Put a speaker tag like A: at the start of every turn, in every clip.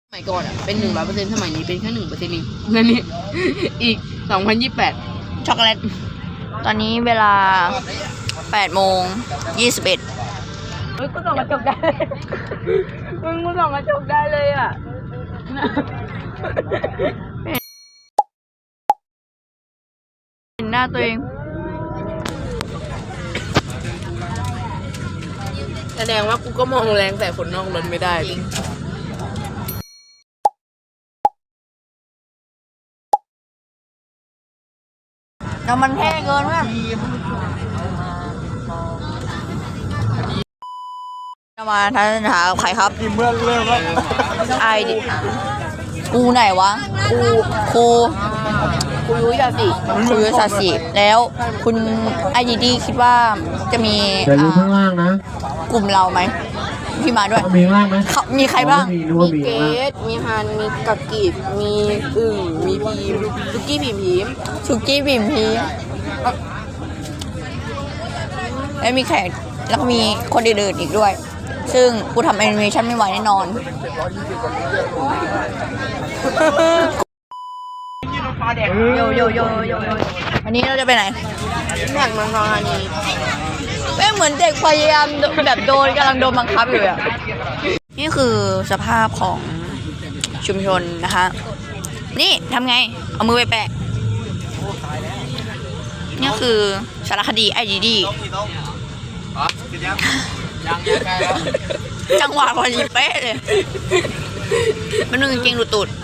A: สมัยก่อนเป็น100%สมัยนี้เป็นแค่1%เองนั่นนี่อีก2028
B: ช็อกโกแลตตอนนี้เวลา8:21
A: เฮ้ยกูส่องกระจกได้มึงกูส่องกระจกได้เลยอ่ะ
B: เห็นหน้าตัวเอง
A: แสดงว่ากูก็มองแรงแต่คนนอกรถไม่ได้จริง
B: น้ำมันแพงเกินมากจะมาทัศนหาใครครับ
C: เมื่อเริ่มแล้ว
B: ไอดิกูไหนวะครู
A: ยุ้ยศาสิ
B: ครูยุ้ยศาสิแล้วคุณไอดีคิดว่าจะมี
C: แต่อยู่ข้างล่างนะ
B: กลุ่มเราไหมที่มาด้วย
C: มีข้างล่างไหม
B: มีใครบ้าง
A: มีเกดมีฮันมีกักกิบมีอึ่งมีพีมสุกี้พีม
B: สุกี้บิมพีแล้วมีแขกแล้วก็มีคนอื่นๆอีกด้วยซึ่งกูทำแอนิเมชันไม่ไหวแน่นอนโยอันนี้เราจะไปไหน
A: แม็กมังกรอันนี้
B: ไม่เหมือนเด็กพยายามแบบกำลังโดนบังคับอยู่อ่ะนี่คือสภาพของชุมชนนะคะนี่ทำไงเอามือไปแปะนี่คือสารคดีไอดีจังหวะพอดีเป๊ะเลยมันนึงจริงหลุดตูด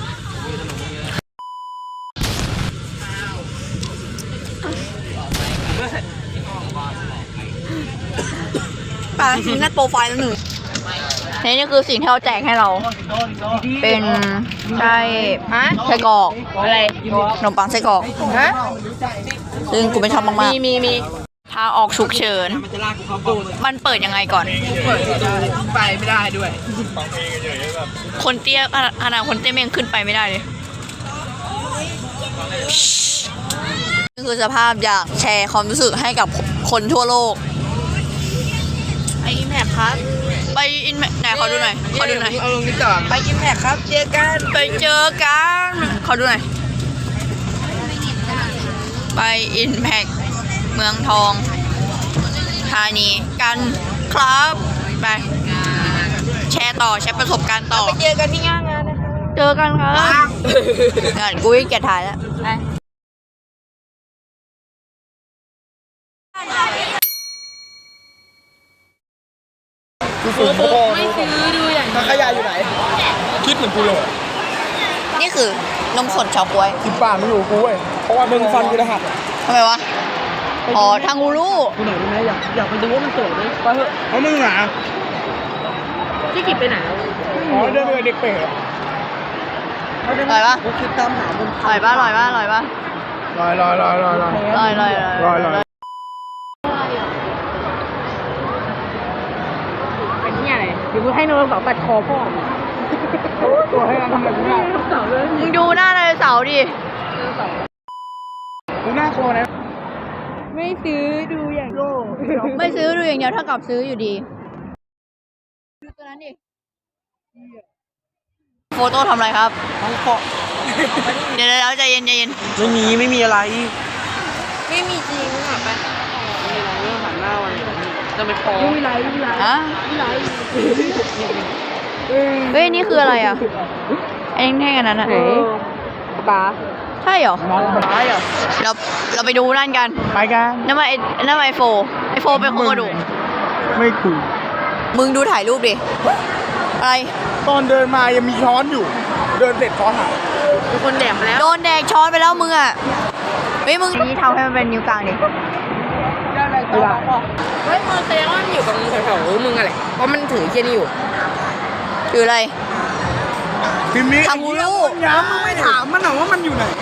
B: ปานัดโปรไฟล์แล้วหนึ่งนี่คือสิ่งที่เขาแจกให้เราเป็นไส้กรอก
A: อะไร
B: ขนมปังไส้กรอกซึ่งกูไม่ชอบมาก
A: ๆมี
B: ทางออกฉุกเฉินมันเปิดยังไงก่อน
A: เปิดไปไม่ได้ด้วย
B: คนเตี้ยขนาดคนเตี้ยยังขึ้นไปไม่ได้เลยนี่คือสภาพอยากแชร์ความรู้สึกให้กับคนทั่วโลก
A: ไปอินแพคครับ
B: ไปอินแพคไหนขอดูหน่อย
A: เอาลงนี่ต่อไปอินแพคครับเจอกัน
B: ขอดูหน่อยไปอินแพคเมืองทองธานีกันครับไปแชร์ประสบการณ์ต่อ
A: ไปเจอกันที่งานนะคะ
B: เจอกันครับงานกูเกลียดถ่ายแล้ว
A: ไม่ซื้อดูอย่างนี้
C: ขยะอยู่ไหนคิดเหมือนกูเลย
B: นี่คือนมสดชาวกล้วย
C: 10 บาทมันอยู่กูเว้ยเพราะว่ามึงฟันกูจะหัก
B: ทำไมวะอ๋อทางกูรู้
A: กูไหนรู้ไหมอยากไปดูว่ามันสวยไหมไปเถอะ
C: เพราะมึงหนา
A: ที่กิบไปไหน
C: อ๋อเดินไปเด็กเป๋
B: อร่อยปะ
A: กูคิดตามหามึง
B: อร่อยปะ
C: ลอย
A: เป็นที่อะไรเดี๋ยวกูให้โนร์สาวตัดคอพ่อ
C: ตัวให้กันทำอะไรกูได้
B: มึงดูหน้าไดโนเสาร์ดิ
C: กูน่ากลัวนะ
A: ไม่ซื้อดูอย่างโลก
B: ไม่ซื้อดูอย่างเดียวเท่ากับซื้ออยู่ดีดูตัวนั้นดิโฟโต้ทำอะไรครับเดี๋ยวใจเย็น
C: ไม่มีอะไร
A: ไม่มีจริงอ่ะไปมีอะไรเรื่องหันหน้าวันจะไม่พอไม่มีไร
B: อ่ะเฮ้ยนี่คืออะไรอ่ะไอ้แท่งอันนั้นอ่ะ
A: ปลา
B: ใช่เหรอ
A: ปลาเหรอ
B: เราไปดูนั่นกัน
C: ไปกัน
B: นั่นมาไอโฟเป็นโคดู
C: ไม่คุย
B: มึงดูถ่ายรูปดิอะไร
C: ตอนเดินมายังมีช้อนอยู่เดินเสร็จช้อนหาย
A: มีคนแดกแล้ว
B: โดนแดกช้อนไปแล้วมึงอ่ะเฮ้ยมึงนี่ทำให้มันเป็นนิ้วกลางดิ
A: เฮ้ยมึงแสดงว่ามันอยู่กับมึงแถวๆมึงอะไรเพราะมันถือเคียนี่อยู่
B: คืออะไร
C: ทำกูรู้ย้ำมึงไม่ถามมันหรอว่ามันอยู่ไหน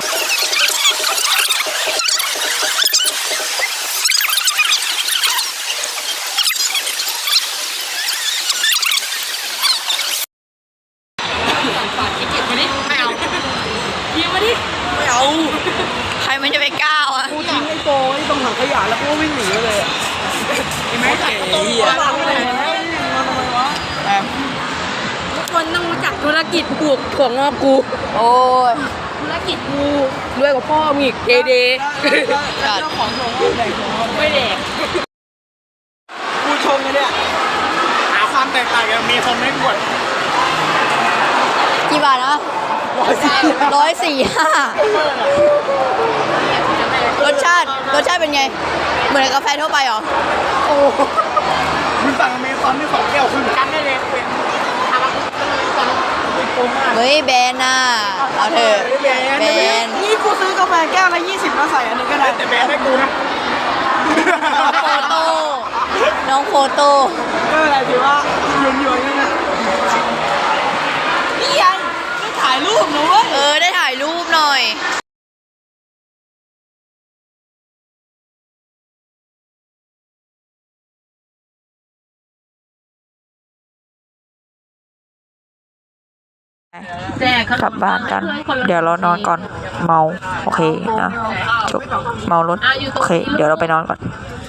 B: ใครมันจะไปก้าวอ่ะ
C: กูทิ้งไอ้โฟไอ้ตรงถังขยะแล้วกูวิ่งหนีเลยอ่ะไอ้แม่เก๋เหี้ยมาทำไมวะ
A: คนต้องรู้จักธุรกิจปลูกถั่วงอกกู
B: โอ้ย
A: ธุรกิจกูรวยกว่าพ่อมึงอีกเด
C: เจ้าของโชว์แดกของ
A: ไม่แดก
C: กูชมกันเนี่ยหาความแตกต่างกันมีคนไม่กด
B: กี่บาทนะ145รสชาติเป็นไง เหมือนกาแฟทั่วไปเหรอ
C: โอ้มึงสั่งอเมซอนที่2 แก้วครึ่งกันได้เลยเป็น
B: เฮ้ยแบรนด์น่ะเอาเถอะแบรนด์
C: นี่กูซื้อกาแฟแก้วละ20แล้วใส่อันนี้ก็ได้แต่แบรนด์ให้กูนะ
B: โฟโต้น้องโฟโต้
C: ก็อะไรถือว่าหยวนๆนั่นนะนี่ยังไม่ถ่ายรูปนะเว้ย
B: ได้ถ่ายรูปหน่อย
D: กลับบ้านกัน เดี๋ยวเรานอนก่อน เมา โอเคนะจบเมารถ โอเค เดี๋ยวเราไปนอนก่อน